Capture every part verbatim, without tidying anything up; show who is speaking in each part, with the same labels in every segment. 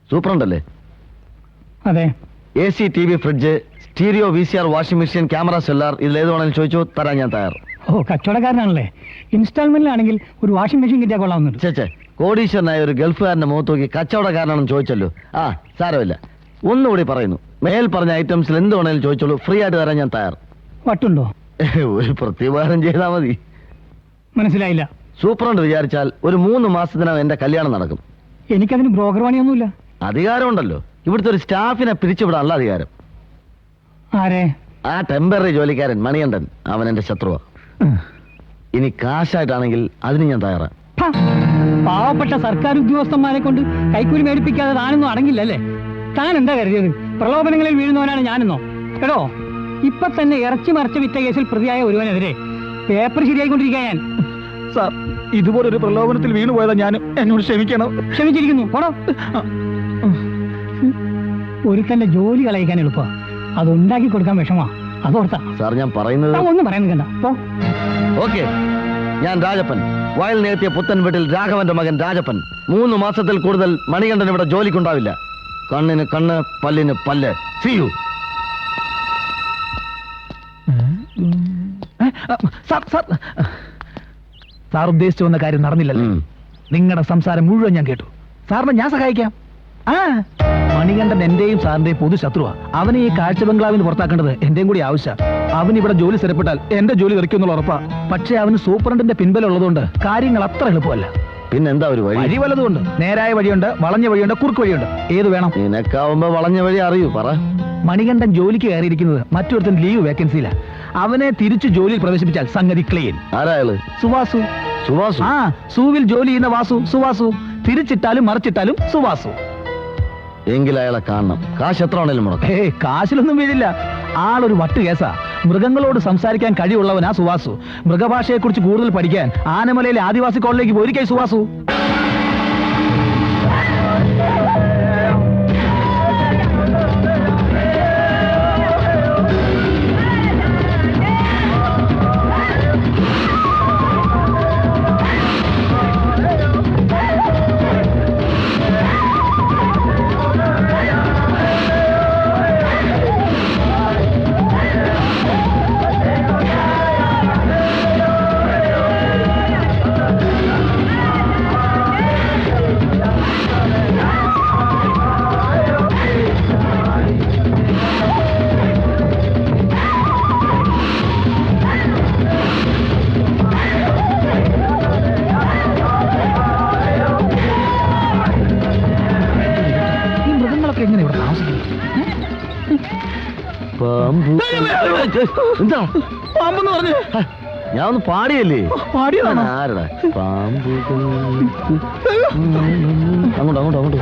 Speaker 1: സൂപ്രണ്ടല്ലേ?
Speaker 2: അതെ.
Speaker 1: A C, T V, fridge, stereo, V C R, washing machine, camera, സെല്ലാർ, ഇതിലേത് വേണമെങ്കിലും ചോദിച്ചു തരാൻ ഞാൻ തയ്യാർ.
Speaker 2: ഓ, കച്ചവടക്കാരനാണല്ലേ. ഇൻസ്റ്റാൾമെന്റിലാണെങ്കിൽ ഒരു വാഷിംഗ് മെഷീൻ കിട്ടിയാൽ കൊള്ളാവുന്നുണ്ട്.
Speaker 1: ചേച്ചേ, കോടീശ്വരനായ ഒരു ഗൾഫുകാരന്റെ മുഖത്ത് നോക്കി കച്ചവടക്കാരനാണെന്ന് ചോദിച്ചല്ലോ. ആ, സാരമില്ല. ഒന്നുകൂടി പറയുന്നു, മേൽ പറഞ്ഞ ഐറ്റംസിൽ എന്ത് വേണമെങ്കിലും ചോദിച്ചോളൂ, ഫ്രീ ആയിട്ട് തരാൻ ഞാൻ തയ്യാർ.
Speaker 2: വട്ടുണ്ടോ?
Speaker 1: ഒരു പ്രത്യുപകാരം ചെയ്താൽ മതി.
Speaker 2: മനസ്സിലായില്ല.
Speaker 1: സൂപ്രണ്ട് വിചാരിച്ചാൽ ഒരു മൂന്ന് മാസത്തിനകം എന്റെ കല്യാണം നടക്കും.
Speaker 2: എനിക്കതിന് ബ്രോക്കർ പണിയൊന്നുമില്ല.
Speaker 1: അധികാരമുണ്ടല്ലോ, ഇവിടുത്തെ ഒരു സ്റ്റാഫിനെ പിരിച്ചുവിടാനുള്ള അധികാരം.
Speaker 2: ആരെ?
Speaker 1: ആ ടെമ്പററി ജോലിക്കാരൻ മണികണ്ഠൻ, അവൻ എന്റെ ശത്രുവാ. ഇനി കാശായിട്ടാണെങ്കിൽ അതിന് ഞാൻ തയ്യാറാ.
Speaker 2: പാവപ്പെട്ട സർക്കാർ ഉദ്യോഗസ്ഥന്മാരെ കൊണ്ട് കൈക്കൂലി മേടിപ്പിക്കാതെ താനൊന്നും അടങ്ങില്ലല്ലേ? താൻ എന്താ കരുതിയത് പ്രലോഭനങ്ങളിൽ വീഴുന്നവനാണ് ഞാനെന്നോ? കേട്ടോ, ഇപ്പൊ തന്നെ ഇറച്ചി മറിച്ച വിറ്റ കേസിൽ പ്രതിയായ ഒരുവനെതിരെ പേപ്പർ ശരിയായിക്കൊണ്ടിരിക്കുക ഞാൻ.
Speaker 3: സാർ, ഇതുപോലൊരു പ്രലോഭനത്തിൽ വീണു പോയതാ ഞാൻ. എന്നോട് ക്ഷമിക്കണം.
Speaker 2: ക്ഷമിച്ചിരിക്കുന്നു. പോടോ. ഒരുത്തന്റെ ജോലി കളയിക്കാൻ എളുപ്പ, അത് ഉണ്ടാക്കി കൊടുക്കാൻ വിഷമാ. അതോർത്താ
Speaker 1: സാർ ഞാൻ പറയുന്നത്.
Speaker 2: ഒന്നും പറയാൻ കണ്ട.
Speaker 1: ഓക്കെ, ഞാൻ രാജപ്പൻ, വയൽ നേർത്തിയ പുത്തൻ വീട്ടിൽ രാഘവന്റെ മകൻ രാജപ്പൻ. മൂന്ന് മാസത്തിൽ കൂടുതൽ മണികണ്ഠൻ ഇവിടെ ജോലിക്കുണ്ടാവില്ല. കണ്ണിന് കണ്ണ്, പല്ലിന് പല്ല്. See you.
Speaker 3: Sir sir sir ഉദ്ദേശിച്ചു വന്ന കാര്യം നടന്നില്ലല്ലോ. നിങ്ങളുടെ സംസാരം മുഴുവൻ ഞാൻ കേട്ടു. സാറിനെ ഞാൻ സഹായിക്കാം. ആ, മണികണ്ഠൻ എന്റെയും സാറിന്റെയും പൊതു ശത്രുവാ. അവനെ ഈ കാഴ്ച ബംഗ്ലാവിന് പുറത്താക്കേണ്ടത് എന്റെയും കൂടി ആവശ്യം. അവൻ ഇവിടെ ജോലി സ്ഥിരപ്പെട്ടാൽ എന്റെ ജോലി തെറിക്കുന്നുള്ള ഉറപ്പാ. പക്ഷേ അവന് സൂപ്രണ്ടിന്റെ പിൻബലം ഉള്ളതുകൊണ്ട് കാര്യങ്ങൾ അത്ര എളുപ്പമല്ല.
Speaker 1: പിന്നെന്താ ഒരു വഴി?
Speaker 3: വഴി വലതുകൊണ്ട്. നേരായ വഴിയുണ്ട്, വളഞ്ഞ വഴിയുണ്ട്, കുറുക്ക് വഴിയുണ്ട്. ഏത് വേണം?
Speaker 1: നിനക്കാവുമ്പോ വളഞ്ഞ വഴി അറിയൂ, പറ.
Speaker 3: മണികണ്ഠൻ ജോലിക്ക് കയറിയിരിക്കുന്നത് മറ്റൊരുത്തൻ ലീവ് വേക്കൻസിയില്ല. അവനെ തിരിച്ചു ജോലിയിൽ പ്രവേശിപ്പിച്ചാൽ സംഗതി ക്ലീൻ.
Speaker 1: ആരായാള്?
Speaker 3: സുവാസു.
Speaker 1: സുവാസു?
Speaker 3: ആ, സൂവിൽ ജോലി ചെയ്യുന്ന വാസു. സുവാസു. തിരിച്ചിട്ടാലും മറിച്ചിട്ടാലും സുവാസു.
Speaker 1: എങ്കിൽ അയാളെ കാണണം. കാശ് എത്ര ആണേലും മുടക്കാം.
Speaker 3: ഏ, കാശിലൊന്നും വീഴില്ല. ആളൊരു വട്ട് കേസാ. മൃഗങ്ങളോട് സംസാരിക്കാൻ കഴിവുള്ളവനാ സുവാസു. മൃഗഭാഷയെ കുറിച്ച് കൂടുതൽ പഠിക്കാൻ ആനമലയിലെ ആദിവാസി കോളേജിലേക്ക് പോയിരിക്കായി സുവാസു.
Speaker 1: എന്താ
Speaker 3: പാമ്പെന്ന് പറഞ്ഞു?
Speaker 1: ഞാൻ ഒന്ന് പാടിയല്ലേ?
Speaker 3: പാടിയതാണ്.
Speaker 1: ആരടാ പാമ്പ്? അങ്ങോട്ട് അങ്ങോട്ട് അങ്ങോട്ട്.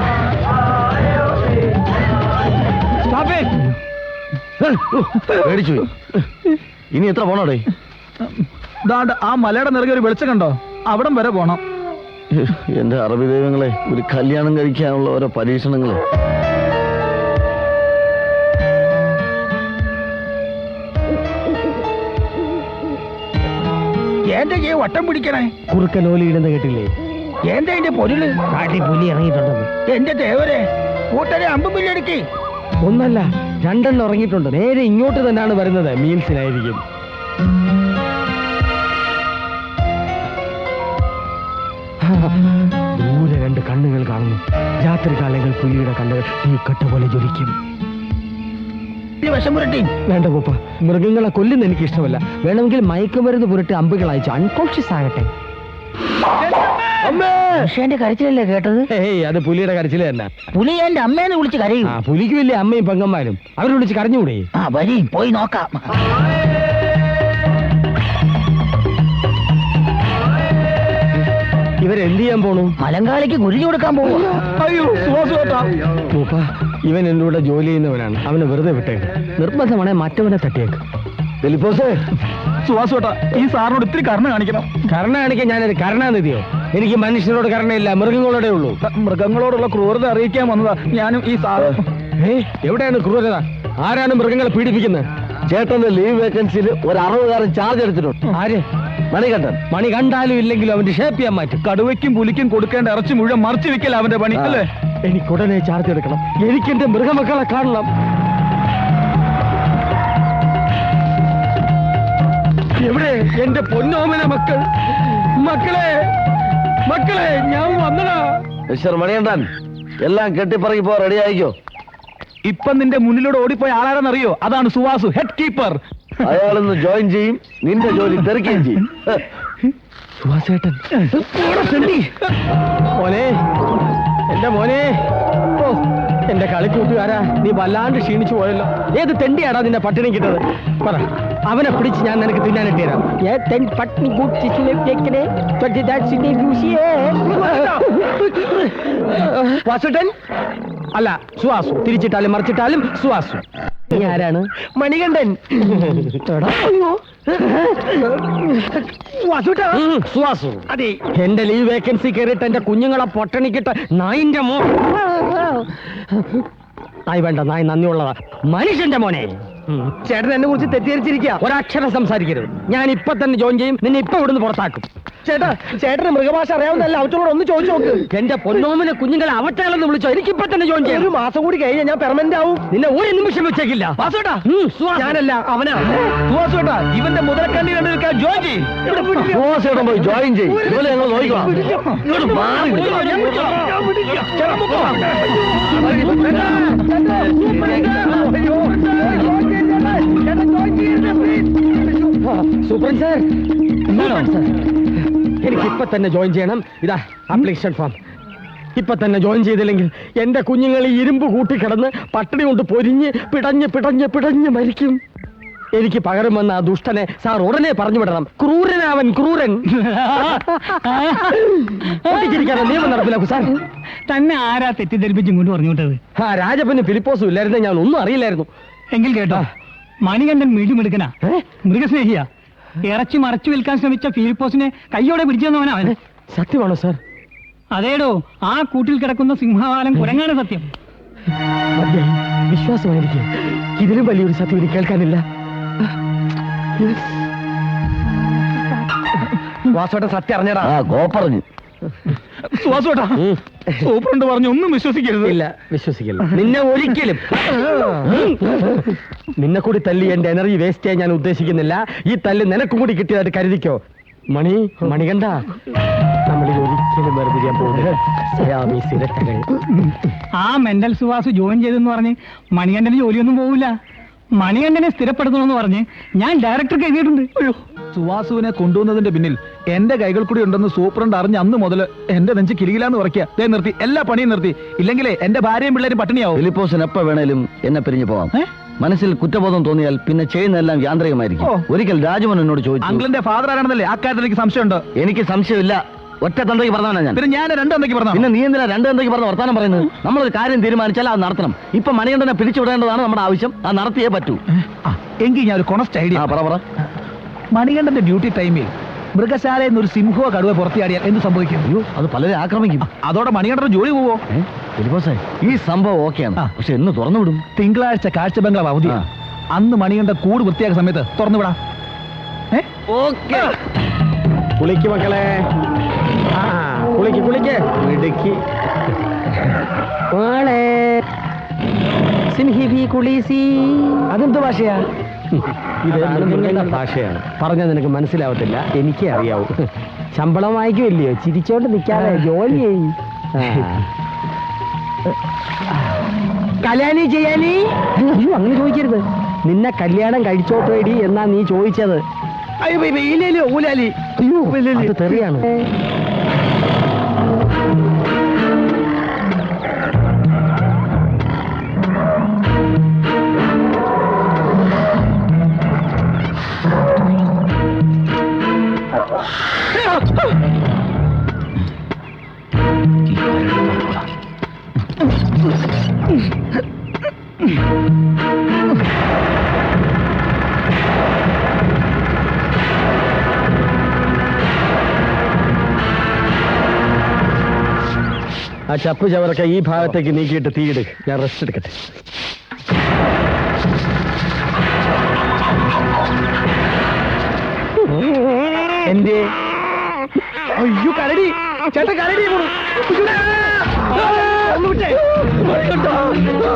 Speaker 1: പേടിച്ചു. ഇനി എത്ര പോണോടേ?
Speaker 3: ആ മലയുടെ നിറകെ ഒരു വെളിച്ചം കണ്ടോ? അവിടം വരെ പോണം.
Speaker 1: എന്റെ അറബി ദൈവങ്ങളെ, ഒരു കല്യാണം കഴിക്കാനുള്ള ഓരോ പരീക്ഷണങ്ങള്.
Speaker 3: എന്റെ ഈ വട്ടം പിടിക്കണേ.
Speaker 2: കുറുക്കൻ ഓലി ഇടുന്ന കേട്ടില്ലേ?
Speaker 3: എന്റെ അതിന്റെ പൊരുള്
Speaker 2: കാട്ടി പുലി ഇറങ്ങിയിട്ടുണ്ടെന്ന്.
Speaker 3: എന്റെ ദേവരെ, കൂട്ടരെ അമ്പും ബില്ലടിക്ക്.
Speaker 2: ഒന്നല്ല, രണ്ടെണ്ണം ഇറങ്ങിയിട്ടുണ്ട്. നേരെ ഇങ്ങോട്ട് തന്നെയാണ് വരുന്നത്. മീൽസിനായിരിക്കും. ദൂരെ രണ്ട് കണ്ണുകൾ കാണുന്നു. രാത്രി കാലങ്ങൾ പുലിയുടെ കണ്ണുകൾ ഈ കട്ട പോലെ ജ്വലിക്കും.
Speaker 3: വിഷം പുരട്ടി
Speaker 2: വേണ്ട പൂപ്പ, മൃഗങ്ങളെ കൊല്ലുന്ന എനിക്ക് ഇഷ്ടമല്ല. വേണമെങ്കിൽ മയക്കുമരുന്ന് പുരട്ടി അമ്പുകൾ അയച്ചു അൺകോൺഷ്യസ് ആകട്ടെ.
Speaker 4: മനുഷ്യന്റെ കരച്ചിലല്ലേ കേട്ടത്?
Speaker 2: ഏയ്, അത് പുലിയുടെ കരച്ചില് തന്നെ.
Speaker 4: പുലി എന്റെ അമ്മേനെ വിളിച്ച് കരയും.
Speaker 2: ആ, പുലിക്ക് വലിയ അമ്മയും പെങ്ങന്മാരും. അവരെ വിളിച്ച് കരഞ്ഞുകൂടെ?
Speaker 4: ആ, വരി പോയി നോക്കാം.
Speaker 2: ഇവരെന്ത് ചെയ്യാൻ പോണു?
Speaker 4: മലങ്കാളിക്ക് കുരുതി കൊടുക്കാൻ പോവുക.
Speaker 3: അയ്യോ,
Speaker 2: പൂപ്പ, ഇവൻ എന്റെ കൂടെ ജോലി ചെയ്യുന്നവനാണ്. അവനെ വെറുതെ വിട്ടേക്ക്. നിർബന്ധമാണെ മറ്റവനെ തട്ടിയേക്ക്.
Speaker 3: സുവാസോട്ടാ, ഈ സാറിനോട് ഇത്തിരി കരുണ കാണിക്കണം.
Speaker 2: കരുണ കാണിക്കാൻ ഞാനൊരു കരുണാനിധിയോ? എനിക്ക് മനുഷ്യരോട് കരുണയില്ല, മൃഗങ്ങളോടേ ഉള്ളൂ.
Speaker 3: മൃഗങ്ങളോടുള്ള ക്രൂരത അറിയിക്കാൻ വന്നതാ ഞാനും ഈ സാറ്.
Speaker 2: ഏ, എവിടെയാണ് ക്രൂരത? ആരാണ് മൃഗങ്ങളെ പീഡിപ്പിക്കുന്നത്?
Speaker 1: ചേട്ടന്റെ ലീവ് വേക്കൻസിയിൽ ഒരു അറുപതുകാരൻ ചാർജ് എടുത്തിട്ടുണ്ട്.
Speaker 2: ആര്?
Speaker 1: മണികണ്ഠൻ.
Speaker 2: മണി കണ്ടാലും ഇല്ലെങ്കിലും അവന്റെ ഷേപ്പ് ചെയ്യാൻ മാറ്റും.
Speaker 3: കടുവയ്ക്കും പുലിക്കും കൊടുക്കേണ്ട ഇറച്ചി മുഴുവൻ മറിച്ചു വെക്കല അവന്റെ പണി, അല്ലേ?
Speaker 2: എനിക്കുടനെ ചാർജ് എടുക്കണം. എനിക്കെന്റെ മൃഗമക്കളെ കാണണം. എവിടെ എന്റെ പൊന്നോമന മക്കൾ? മക്കളെ, മക്കളെ, ഞാൻ വന്നടാ.
Speaker 1: മിസ്റ്റർ മണികണ്ഠൻ, എല്ലാം കെട്ടിപ്പറകിപ്പോ റെഡി ആയിക്കോ.
Speaker 3: ഇപ്പൊ നിന്റെ മുന്നിലൂടെ ഓടിപ്പോയ ആളാരെന്നറിയോ? അതാണ് സുവാസു, ഹെഡ് കീപ്പർ.
Speaker 1: അയാളിന്ന് ജോയിൻ ചെയ്യും, നിന്റെ ജോലി തെറിക്കുകയും ചെയ്യും.
Speaker 2: സുഹാസേട്ടൻ മോനെ, എന്റെ മോനെ. ഓ, എന്റെ കളിക്കൂട്ടുകാരാ, നീ വല്ലാണ്ട് ക്ഷീണിച്ചു പോയല്ലോ. ഏത് തെണ്ടിയാടാ നിന്നെ പട്ടിണി കിട്ടത്? പറ, അവനെ പിടിച്ച് ഞാൻ നിനക്ക് തിന്നാനിട്ട് തരാം. വാസുട്ടൻ അല്ല, സുഹാസു. തിരിച്ചിട്ടാലും മറിച്ചിട്ടാലും സുഹാസു. നീ ആരാണ്? മണികണ്ഠൻ. സുഹാസു. അതെ, എന്റെ ലീവ് വേക്കൻസി കയറിയിട്ട് എന്റെ കുഞ്ഞുങ്ങളെ പൊട്ടണിക്കിട്ട് നായിന്റെ മോ നായ് വേണ്ട, നായ് നന്ദിയുള്ളതാ. മനുഷ്യന്റെ മോനെ, ചേട്ടൻ എന്നെ കുറിച്ച് തെറ്റിദ്ധരിച്ചിരിക്കുക. ഒരക്ഷരം സംസാരിക്കരുത്. ഞാൻ ഇപ്പൊ തന്നെ ജോയിൻ ചെയ്യും. നിന്നെ ഇപ്പൊ ഇവിടുന്ന് പുറത്താക്കും. ചേട്ടാ, ചേട്ടന് മൃഗഭാഷ അറിയാവുന്നല്ല, അവറ്റോട് ഒന്ന് ചോദിച്ചു നോക്ക്. എന്റെ പൊന്നോമിനെ കുഞ്ഞുങ്ങളെ അവറ്റകളെന്ന് വിളിച്ചോ. എനിക്കിപ്പൊ തന്നെ ജോയിൻ ചെയ്യാം. ഒരു മാസം കൂടി കഴിഞ്ഞാൽ ഞാൻ പെർമനന്റ് ആവും. നിന്നെ ഒരു നിമിഷം വെച്ചേക്കില്ല. ഞാനല്ല, അവനാ.
Speaker 3: സുവാസുട്ടാ, ഇവന്റെ മുതലക്കണ്ണി കണ്ടു നിൽക്കാൻ ജോയിൻ ചെയ്യും.
Speaker 1: സുഹാസേട്ടൻ പോയി ജോയിൻ ചെയ്യും. ഇതുപോലെ ഞങ്ങൾ നോക്കിക്കോളാം. ഇങ്ങോട്ട് മാറി നിൽക്ക്.
Speaker 2: സൂപ്രണ്ട് സാർ, എനിക്ക് ഇപ്പൊ തന്നെ ജോയിൻ ചെയ്യണം. ഇതാ ആപ്ലിക്കേഷൻ ഫോം. ഇപ്പൊ തന്നെ ജോയിൻ ചെയ്തില്ലെങ്കിൽ എന്റെ കുഞ്ഞുങ്ങൾ ഈ ഇരുമ്പ് കൂട്ടിക്കിടന്ന് പട്ടിണി കൊണ്ട് പൊരിഞ്ഞ് പിടഞ്ഞ് പിടഞ്ഞ് പിടഞ്ഞ് മരിക്കും. എനിക്ക് പകരം വന്ന ആ ദുഷ്ടനെ സാർ ഉടനെ പറഞ്ഞു വിടണം. ക്രൂരനാവൻ, ക്രൂരൻ. പൊട്ടിച്ചിരിക്കാതെ നിയമം നടപ്പിലാക്കും സാർ.
Speaker 5: തന്നെ ആരാ തെറ്റിദ്ധരിപ്പിച്ച് ഇങ്ങോട്ട് പറഞ്ഞു വിട്ടത്?
Speaker 2: ആ രാജപ്പന് ഫിലിപ്പോസും ഇല്ലായിരുന്നു, ഞാൻ ഒന്നും അറിയില്ലായിരുന്നു.
Speaker 5: എങ്കിൽ കേട്ടോ, മണികണ്ഠൻ മിടുമിടുക്കനാ, മൃഗസ്നേഹിയാ. ഇറച്ചി മറച്ചു വിൽക്കാൻ ശ്രമിച്ച ഫിലിപ്പോസിനെ കയ്യോടെ പിടിച്ചെന്നവനാ അവൻ.
Speaker 2: സത്യമാണോ സാർ?
Speaker 5: അതേടോ, ആ കൂട്ടിൽ കിടക്കുന്ന സിംഹവാലം കുരങ്ങാണ് സത്യം.
Speaker 2: മതിയായി, വിശ്വാസമായിരിക്കും. ഇതിലും വലിയൊരു സത്യം എനിക്ക് കേൾക്കാനില്ല. വാസോട്ടെ, സത്യം അറിഞ്ഞടാ.
Speaker 1: ആ ഗോ പറഞ്ഞു.
Speaker 3: സുവാസുട്ടാ, സൂപ്രണ്ട് പറഞ്ഞു ഒന്നും വിശ്വസിക്കരുത്.
Speaker 2: ഇല്ല, വിശ്വസിക്കില്ല. നിന്നെ ഒരിക്കലും. നിന്നെ കൂടി തല്ലി എന്റെ എനർജി വേസ്റ്റ് ചെയ്യാൻ ഞാൻ ഉദ്ദേശിക്കുന്നില്ല. ഈ തല്ല് നിനക്കും കൂടി കിട്ടിയതായിട്ട് കരുതിക്കോ. മണി, മണികണ്ഠ, നമ്മളിൽ ഒരിക്കലും വേർപിരിയാൻ പോകുന്നത്.
Speaker 5: ആ മെന്റൽ സുവാസു ജോയിൻ ചെയ്തെന്ന് പറഞ്ഞ് മണികണ്ഠന് ജോലിയൊന്നും പോവില്ല. മണികണ്ഠനെ സ്ഥിരപ്പെടുത്തണമെന്ന് പറഞ്ഞ് ഞാൻ ഡയറക്ടർക്ക് എഴുതിയിട്ടുണ്ട്. അയ്യോ,
Speaker 3: സുവാസുവിനെ കൊണ്ടുവന്നതിന്റെ പിന്നിൽ എന്റെ കൈകൾ കൂടി ഉണ്ടെന്ന് സൂപ്രണ്ട് അറിഞ്ഞ് അന്ന് മുതൽ എന്റെ നെഞ്ച് കിലുകിലാന്ന് ഉറക്കുക. ദേ നിർത്തി, എല്ലാ പണിയും നിർത്തി. ഇല്ലെങ്കിലേ എന്റെ ഭാര്യയും പിള്ളേരും പട്ടിണിയാവും.
Speaker 1: ഫിലിപ്പോസിന് എപ്പോ വേണേലും എന്നെ പിരിഞ്ഞു പോവാം. മനസ്സിൽ കുറ്റബോധം തോന്നിയാൽ പിന്നെ ചെയ്യുന്നതെല്ലാം യാന്ത്രികമായിരിക്കും. ഒരിക്കൽ രാജമോൻ എന്നോട് ചോദിച്ചു,
Speaker 3: അങ്കിളിന്റെ ഫാദർ ആരാണെന്നല്ലേ? ആ കാര്യത്തിൽ എനിക്ക് സംശയമുണ്ട്.
Speaker 1: എനിക്ക് സംശയമില്ല. ഒറ്റ തന്തയ്ക്ക് പറഞ്ഞാണ് ഞാൻ.
Speaker 3: പിന്നെ ഞാൻ രണ്ട് തന്തയ്ക്ക് പറഞ്ഞു.
Speaker 1: പിന്നെ നീ എന്തിനാ രണ്ട് തന്തയ്ക്ക് പറഞ്ഞ വർത്താനം പറയുന്നത്? നമ്മളൊരു കാര്യം തീരുമാനിച്ചാൽ അത് നടത്തണം. ഇപ്പൊ മണികണ്ഠനെ പിരിച്ചുവിടേണ്ടതാണ് നമ്മുടെ ആവശ്യം. അത് നടത്തിയേ പറ്റൂ.
Speaker 3: എങ്കിൽ ഞാൻ ഒരു കൊണസ്റ്റ് ഐഡിയ.
Speaker 1: പറ പറ.
Speaker 3: മണികണ്ഠന്റെ ഡ്യൂട്ടി ടൈമിൽ മൃഗശാലയിൽ നിന്ന് ഒരു സിംഹോ കടുവ പുറത്തിയാടിയാൽ എന്ത് സംഭവിക്കും?
Speaker 1: അയ്യോ, അത് പലരെ ആക്രമിക്കും.
Speaker 3: അതോടെ മണികണ്ഠന്റെ ജോലി പോവോ?
Speaker 1: ഫിലിപ്പോസേ, ഈ സംഭവം ഓക്കെയാണ്, പക്ഷെ എന്ന് തുറന്നു വിടും?
Speaker 3: തിങ്കളാഴ്ച കാഴ്ച ബംഗ്ലാവ് അവധി. അന്ന് മണികണ്ഠ കൂട് വൃത്തിയാക്കുന്ന സമയത്ത് തുറന്നു വിടാം.
Speaker 2: ഓക്കെ. കുളിക്ക് മക്കളെ, ആ കുളിക്ക് കുളിക്ക്. ഇടുക്കി അതെന്ത് ഭാഷയാ? ഇത് നിങ്ങളുടെ ഭാഷയാണ്. പറഞ്ഞാൽ നിനക്ക് മനസ്സിലാവത്തില്ല, എനിക്കേ അറിയാവൂ. ശമ്പളം വാങ്ങിക്കുമല്ലയോ, ചിരിച്ചോണ്ട് നിൽക്കാതെ ജോലി ചെയ്യും. കല്യാണി ചെയ്യാനി? അയ്യോ, അങ്ങനെ ചോദിക്കരുത്. നിന്നെ കല്യാണം കഴിച്ചോട്ടേടി എന്നാ നീ ചോദിച്ചത്. അയ്യോ, ഇല്ലല്ലോ ഊലാലി. അയ്യോ, അത് തെറിയാണ്. ആ ചപ്പ് ചവറൊക്കെ ഈ ഭാഗത്തേക്ക് നീക്കിയിട്ട് തീയിട്. ഞാൻ റെസ്റ്റ് എടുക്കട്ടെ. എന്റെ അയ്യോ, കരടി ചേട്ടാ, കരടി. ഒന്ന് വിട്ടേ.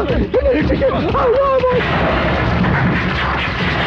Speaker 3: എന്നെ രക്ഷിക്ക്.